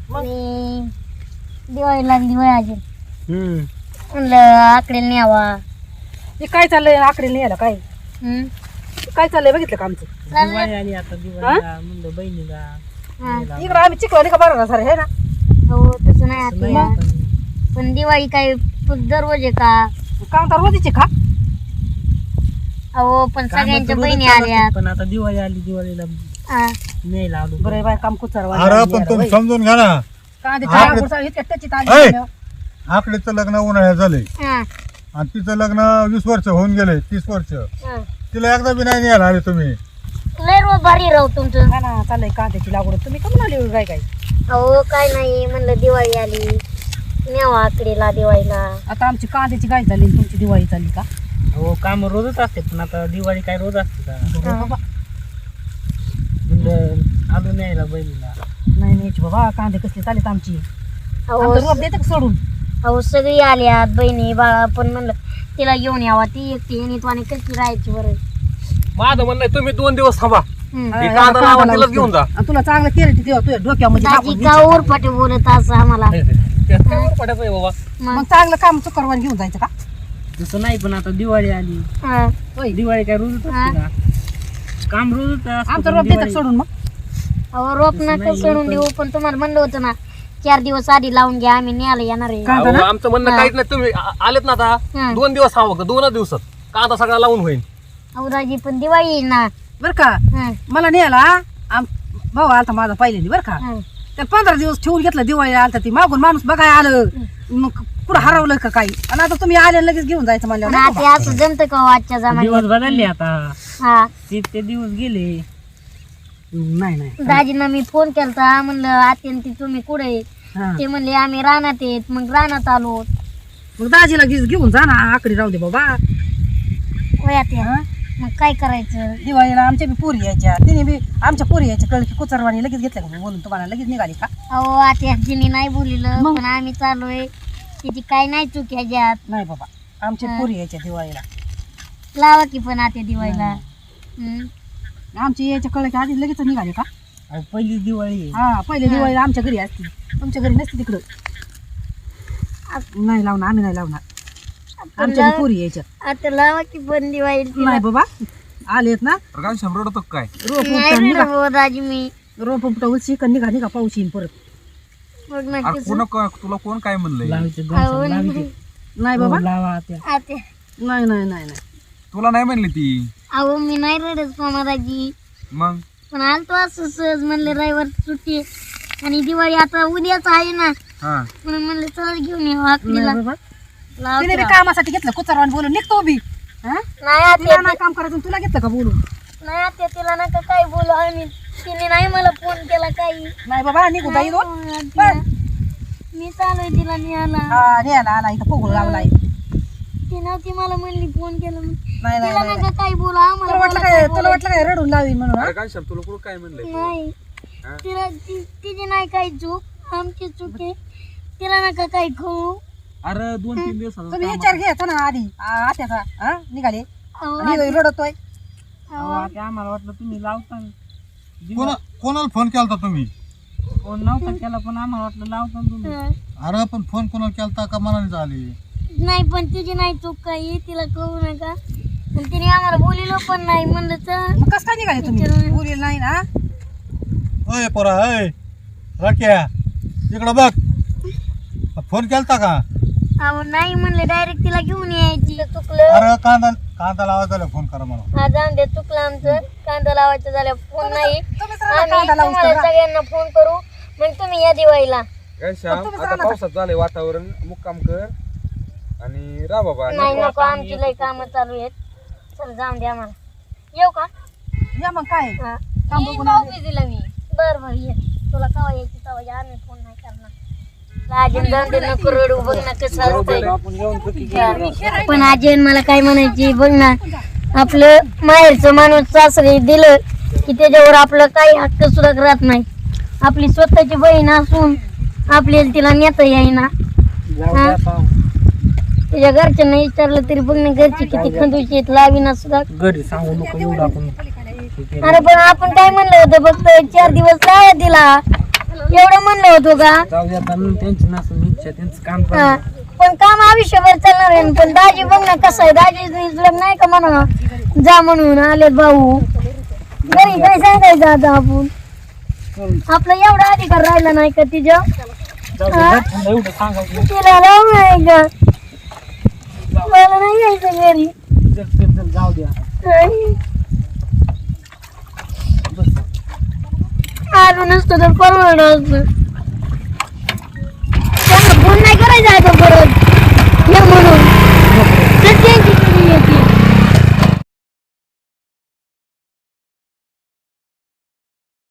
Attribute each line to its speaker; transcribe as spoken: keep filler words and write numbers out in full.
Speaker 1: आणि दिवाळी लागली वय अजून
Speaker 2: हम्म
Speaker 1: म्हणलं आकडे न्यावा.
Speaker 3: हे काय चाललंय आकडे लिहायला काय
Speaker 1: हम्म.
Speaker 3: काय चाललंय बघितलं का आमचं
Speaker 2: दिवाळी आली आता दिवाळीला म्हणलं बहिणीला
Speaker 1: हा.
Speaker 3: इकडं आम्ही चिखला का बरं सर हे ना
Speaker 1: हो तसं नाही आत्या.
Speaker 2: पण
Speaker 1: पण दिवाळी काय दररोज आहे का?
Speaker 3: काम तर रोजीचे का
Speaker 1: अहो पण
Speaker 2: कामं
Speaker 1: सगळ्यांच्या
Speaker 2: तर
Speaker 1: बहिणी
Speaker 2: रोजच चालू
Speaker 1: आल्या.
Speaker 2: असतात, पण आता दिवाळी आली दिवाळीला
Speaker 1: हा.
Speaker 2: न्यायला आलो
Speaker 3: बरं बाय काम कुचार
Speaker 4: अरे पण तुम्ही समजून घ्या ना ऐ. आकडेचं लग्न उन्हाळ्यात झालंय
Speaker 1: हा.
Speaker 4: आणि तिचं लग्न वीस वर्ष होऊन गेले तीस वर्ष
Speaker 1: हा.
Speaker 4: तिला एकदा बी नाही न्यायला आले तुम्ही.
Speaker 1: लय रोज भारी राहू तुमचं.
Speaker 3: ना चाललंय कांद्याची लागवड तुम्ही कमी आली काय काय
Speaker 1: अहो काय नाही म्हणलं दिवाळी आली न्यावा आकडेला दिवाळीला.
Speaker 3: आता आमची कांद्याची गाय झाली आणि तुमची दिवाळी चालली का
Speaker 2: हो काम रोजच असते पण आता दिवाळी काय रोज असते का
Speaker 3: बरं बाबा
Speaker 2: म्हणलं आलो न्यायला बहिणीला.
Speaker 3: नाही न्यायची बाबा कांदे कसले चालेत आमची
Speaker 1: अहो
Speaker 3: आमचं रोप देते का सोडून
Speaker 1: अहो सगळी आल्यात बहिणी बाळा पण म्हणलं तिला घेऊन यावा ती एकटी आणि आणि कशी राहायची बरं.
Speaker 5: माझं म्हणणं आहे, तुम्ही दोन दिवस थांबा
Speaker 1: हम्म.
Speaker 5: हे कांदा लावा तिलाच घेऊन जा.
Speaker 3: आणि तुला चांगलं केलं तेव्हा तुझ्या डोक्यामध्ये
Speaker 1: दाजी
Speaker 3: टाकून
Speaker 1: का
Speaker 3: घ्यायचं.
Speaker 1: उरफाटे बोलत असं आम्हाला.
Speaker 5: त्यात काय वर पडायचं आहे बाबा.
Speaker 1: मग
Speaker 3: मग चांगलं काम चुकरवान घेऊन जायचं का
Speaker 2: तसं नाही पण आता दिवाळी आली
Speaker 1: हा.
Speaker 3: होय
Speaker 2: दिवाळी काय रोजच असते का काम रोजच असतं,
Speaker 3: आमचं
Speaker 2: पण
Speaker 3: रोप देतात
Speaker 2: दिवाळी-
Speaker 3: सोडून मग
Speaker 1: अहो रोप
Speaker 2: तसं
Speaker 1: नका
Speaker 2: नाही,
Speaker 1: सोडून
Speaker 2: पण-
Speaker 1: देऊ पण तुम्हाला म्हणलं होतं ना चार दिवस आधी लावून घ्या आम्ही न्यायला येणार आहे.
Speaker 3: कांदा
Speaker 5: अहो,
Speaker 3: ना?
Speaker 5: आमचं म्हणणं
Speaker 1: हा.
Speaker 5: काहीच नाही, तुम्ही आ- आलेत ना आता
Speaker 1: हा.
Speaker 5: दोन दिवस थांबा फक्त दोनच दिवसात कांदा सगळा लावून होईल.
Speaker 1: अहो दाजी पण दिवाळी आहे ना.
Speaker 3: बरं का
Speaker 1: हा.
Speaker 3: मला न्यायला आम भाऊ आलता माझा पहिल्यांदा बरं का
Speaker 1: हा.
Speaker 3: तर पंधरा दिवस ठेवून घेतलं दिवाळीला आलता ती मागून माणूस बघाय आलं मग कुठं हरवलं का काही आणि आता तुम्ही आले आणि लगेच घेऊन जायचं
Speaker 1: पण
Speaker 3: म्हणलं
Speaker 1: आता असं जमतं का हो आजच्या
Speaker 2: दिवस
Speaker 1: जमान्यात?
Speaker 2: बदलले आता
Speaker 1: हा.
Speaker 2: ते ते दिवस गेले.
Speaker 3: नाही नाही
Speaker 1: दाजींना मी फोन केलता म्हणलं आत्यान ती तुम्ही कुठे आहेत?
Speaker 3: हा.
Speaker 1: ते म्हणले आम्ही रानात येत मग रानात आलो.
Speaker 3: मग दाजीला घेऊन घेऊन जा ना आकडे राहू दे बाबा
Speaker 1: होय आत्या मग काय करायचं?
Speaker 3: दिवाळीला आमच्या बी पोरी यायच्या तिने बी आमच्या पोरी यायच्या कळ की कुचरवाणी लगेच घेतल्या का बोलून तुम्हाला लगेच निघाली का
Speaker 1: अहो आत्या तिने नाही बोलिलं
Speaker 3: मग?
Speaker 1: पण आम्ही चाललोय तिची काय नाही चूक ह्याच्यात.
Speaker 3: नाही बाबा आमच्या पोरी यायच्या दिवाळीला
Speaker 1: लावा की पण आत्या दिवाळीला. हम्म.
Speaker 3: आमची यायच्या कळ की आधी लगेच निघाली का
Speaker 2: अहो, पहिलीच दिवाळी आहे.
Speaker 3: हा पहिले दिवाळीला आमच्या घरी असते तुमच्या घरी नसते तिकडं नाही लावणार आम्ही नाही लावणार आमच्या बी पोरी यायच्या
Speaker 1: आता लावा की पण दिवाळी.
Speaker 3: नाही बाबा आलेत ना
Speaker 5: काय शंभर होतं काय
Speaker 3: रोप
Speaker 1: नाही
Speaker 3: उपटा
Speaker 1: रे
Speaker 3: निघा
Speaker 1: बाबा दाजी मी
Speaker 3: रोप उपटा उची का निघा निघा पाऊस येईन परत
Speaker 1: मग नक्कीच.
Speaker 5: तुला कोण काय म्हणलंय?
Speaker 2: लावायचे दोन
Speaker 1: अहो,
Speaker 2: सण लावायचे.
Speaker 3: नाही
Speaker 2: हो,
Speaker 3: बाबा
Speaker 2: लावा त्या
Speaker 1: आत्या
Speaker 3: नाही नाही नाही नाही
Speaker 5: तुला नाही म्हणली ती
Speaker 1: अहो मी नाही रडत मामा दाजी
Speaker 5: मग
Speaker 1: पण आलतो असं सहज म्हणले रविवार सुट्टी आहे. आणि दिवाळी आता उद्याच आहे ना
Speaker 5: हा
Speaker 1: म्हणून म्हणलं चल घेऊन येऊ आखरीला.
Speaker 3: नाही बाबा
Speaker 1: लावतो.
Speaker 3: तिने बी कामासाठी घेतलं कुचरवान बोलून निघतो बी हा?
Speaker 1: नाही आत्या
Speaker 3: तिला नाही काम करायचं तुला घेतलं का बोलून
Speaker 1: नाही आत्या तिला नका काय बोलू आम्ही तिने नाही मला फोन केला काही.
Speaker 3: नाही बाबा निघू बाई दोन
Speaker 1: हो, आत्या. मी चालू आहे तिला न्यायला.
Speaker 3: हा न्यायला आला इथं पोगळ लावलाय
Speaker 1: ती नव्हती मला म्हणली फोन केला म्हणून.
Speaker 3: नाही नाही
Speaker 1: तिला
Speaker 3: नाही.
Speaker 1: नका काय बोलू आम्हाला
Speaker 3: तुला वाटलं
Speaker 1: बोला
Speaker 3: काय
Speaker 1: काय
Speaker 3: तुला वाटलं काय रडून लावीन म्हणून हा?
Speaker 5: अरे काय शब्द तुला कोण काय म्हणलंय?
Speaker 1: नाही तिला ती- तिची नाही काही चूक आमची चूक आहे तिला नका काही खाऊ.
Speaker 5: अरे दोन तीन दिवस
Speaker 3: तुम्ही विचार घ्यायचा ना आधी आ- आत्याचा हा निघाले
Speaker 1: अहो,
Speaker 3: आणि रडतोय
Speaker 2: अहो, आता आम्हाला वाटलं तुम्ही लावता
Speaker 4: कोणा कोणाला फोन केलता तुम्ही?
Speaker 2: फोन नव्हता केला पण आम्हाला वाटलं लावता तुम्ही.
Speaker 1: हं.
Speaker 4: अरे पण फोन कोणाला केलता का मनाने झाली?
Speaker 1: नाही पण तिची नाही चूक काही तिला कळू नका पण तिने आम्हाला बोलिलो पण नाही म्हणलं तर
Speaker 3: मग कसं काय निघाले तुम्ही बोलेल नाही ना
Speaker 4: अय पोरा अय रक्या इकडं बघ फोन केलता का?
Speaker 1: अहो नाही म्हणले डायरेक्ट तिला घेऊन यायची. चुकलं
Speaker 4: अरे कांदा कांदा लावायचा झाला फोन करा मला.
Speaker 1: हा जाऊन दे चुकलं आमचं कांदा लावायचं झालं फोन नाही
Speaker 3: तुम्हीच राहणार
Speaker 1: आम्ही
Speaker 3: कांदा लावून
Speaker 1: तुम्हाला सगळ्यांना फोन करू मग तुम्ही या दिवाळीला.
Speaker 5: काय श्याम
Speaker 3: तुम्ही
Speaker 5: आता
Speaker 3: सांगा
Speaker 5: पावसात झालंय वातावरण मुक्काम कर आणि रा बाबा
Speaker 1: नाही नको आमची लय कामं चालू आहेत. चल जाऊन दे आम्हाला. येऊ का?
Speaker 3: या मग काय
Speaker 1: हा.
Speaker 3: काम
Speaker 1: येईन
Speaker 3: बघून
Speaker 1: भाऊबीजेला मी. बरं बरं ये तुला कवा यायची तवा या आम्ही फोन नाही करणार. अजून जाऊन दे नको रडू बघ ना कसं असतंय.
Speaker 2: आपण येऊन चुकी केली.
Speaker 1: पण आजी मला काय म्हणायची बघ ना आपलं माहेरचं माणूस सासरी दिलं की त्याच्यावर आपलं काही हक्क सुद्धा राहत नाही. आपली स्वतःची बहीण असून आपल्याला तिला नेता येईना.
Speaker 2: जाऊ द्या पाहू.
Speaker 1: त्याच्या घरच्यांना विचारलं तरी बघ ना घरची किती खंदूची आहेत लावीना सुद्धा.
Speaker 2: घरी सांगू नको एवढं आपण
Speaker 1: अरे पण आपण काय म्हणलं होतं फक्त चार दिवस लावा दिला एवढं म्हणलं होतो का
Speaker 2: जाऊ द्या आता त्यांची नसून इच्छा त्यांचं काम
Speaker 1: हा.
Speaker 2: करणं.
Speaker 1: पण काम आयुष्यभर चालणार आहे पण दाजी बघ ना कसं आहे दाजी लग्न नाही का म्हणा जा म्हणून आले भाऊ घरी काय सांगायचं आता आपण आपला एवढा अधिकार राहिला नाही का तिच्या
Speaker 2: जाऊ द्या, घरच्यांना एवढं सांगायचं
Speaker 1: तिला राहू नाही का मला नाही यायचं घरी
Speaker 2: चल चल चल जाऊ द्या.
Speaker 1: आलो नसतो तर परवडलं असतं त्यांना फोन नाही करायचा आता परत